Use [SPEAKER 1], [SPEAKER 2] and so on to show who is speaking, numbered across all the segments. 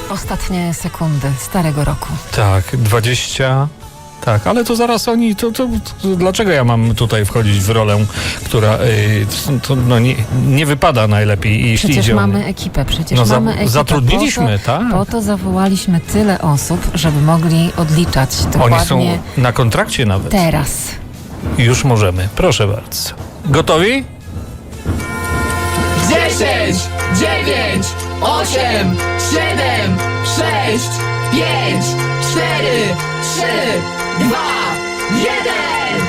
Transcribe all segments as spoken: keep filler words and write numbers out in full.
[SPEAKER 1] Ostatnie sekundy starego roku.
[SPEAKER 2] Tak, dwadzieścia. Tak, ale to zaraz oni, to, to, to dlaczego ja mam tutaj wchodzić w rolę, która y, to, no nie, nie wypada najlepiej, jeśli
[SPEAKER 1] Przecież
[SPEAKER 2] idzie o
[SPEAKER 1] mamy
[SPEAKER 2] mnie.
[SPEAKER 1] ekipę, przecież
[SPEAKER 2] No za-
[SPEAKER 1] mamy ekipę.
[SPEAKER 2] zatrudniliśmy,
[SPEAKER 1] po to,
[SPEAKER 2] tak.
[SPEAKER 1] Po to zawołaliśmy tyle osób, żeby mogli odliczać dokładnie
[SPEAKER 2] Oni są na kontrakcie nawet.
[SPEAKER 1] teraz.
[SPEAKER 2] Już możemy, proszę bardzo. Gotowi?
[SPEAKER 3] dziesięć, dziewięć, osiem, siedem, sześć, pięć, cztery, trzy, dwa, jeden.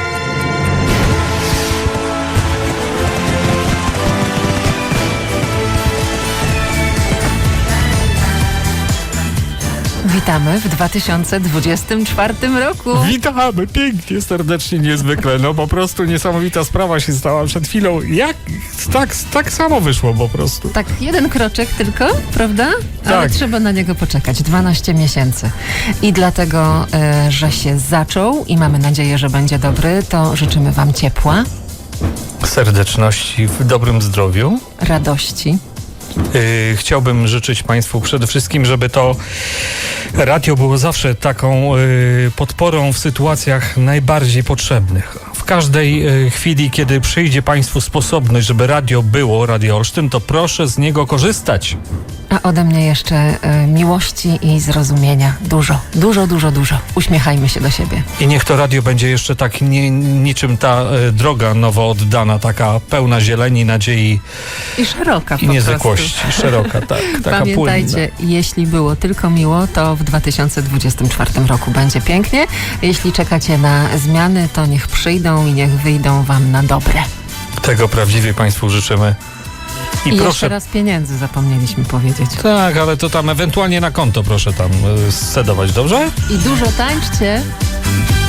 [SPEAKER 1] Witamy w dwa tysiące dwudziestym czwartym roku.
[SPEAKER 2] Witamy pięknie, serdecznie, niezwykle. No po prostu niesamowita sprawa się stała przed chwilą. Jak? Tak, tak samo wyszło po prostu.
[SPEAKER 1] Tak, jeden kroczek tylko, prawda? Ale
[SPEAKER 2] Tak.
[SPEAKER 1] trzeba na niego poczekać. dwanaście miesięcy. I dlatego, e, że się zaczął i mamy nadzieję, że będzie dobry, to życzymy Wam ciepła,
[SPEAKER 2] Serdeczności, w dobrym zdrowiu.
[SPEAKER 1] radości.
[SPEAKER 2] Yy, chciałbym życzyć Państwu przede wszystkim, żeby to radio było zawsze taką yy, podporą w sytuacjach najbardziej potrzebnych. W każdej yy, chwili, kiedy przyjdzie Państwu sposobność, żeby radio było, Radio Olsztyn, to proszę z niego korzystać.
[SPEAKER 1] A ode mnie jeszcze e, miłości i zrozumienia. Dużo, dużo, dużo, dużo. Uśmiechajmy się do siebie.
[SPEAKER 2] I niech to radio będzie jeszcze tak nie, niczym ta yy, droga nowo oddana, taka pełna zieleni, nadziei
[SPEAKER 1] I szeroka
[SPEAKER 2] i
[SPEAKER 1] po
[SPEAKER 2] niezwykłości.
[SPEAKER 1] prostu.
[SPEAKER 2] Szeroka, tak. Taka
[SPEAKER 1] Pamiętajcie, jeśli było tylko miło, to w dwa tysiące dwudziestym czwartym roku będzie pięknie. Jeśli czekacie na zmiany, to niech przyjdą i niech wyjdą Wam na dobre.
[SPEAKER 2] płynna. Tego prawdziwie Państwu życzymy. I,
[SPEAKER 1] I jeszcze
[SPEAKER 2] proszę.
[SPEAKER 1] raz pieniędzy zapomnieliśmy powiedzieć.
[SPEAKER 2] Tak, ale to tam ewentualnie na konto proszę tam y, scedować, dobrze?
[SPEAKER 1] I dużo tańczcie.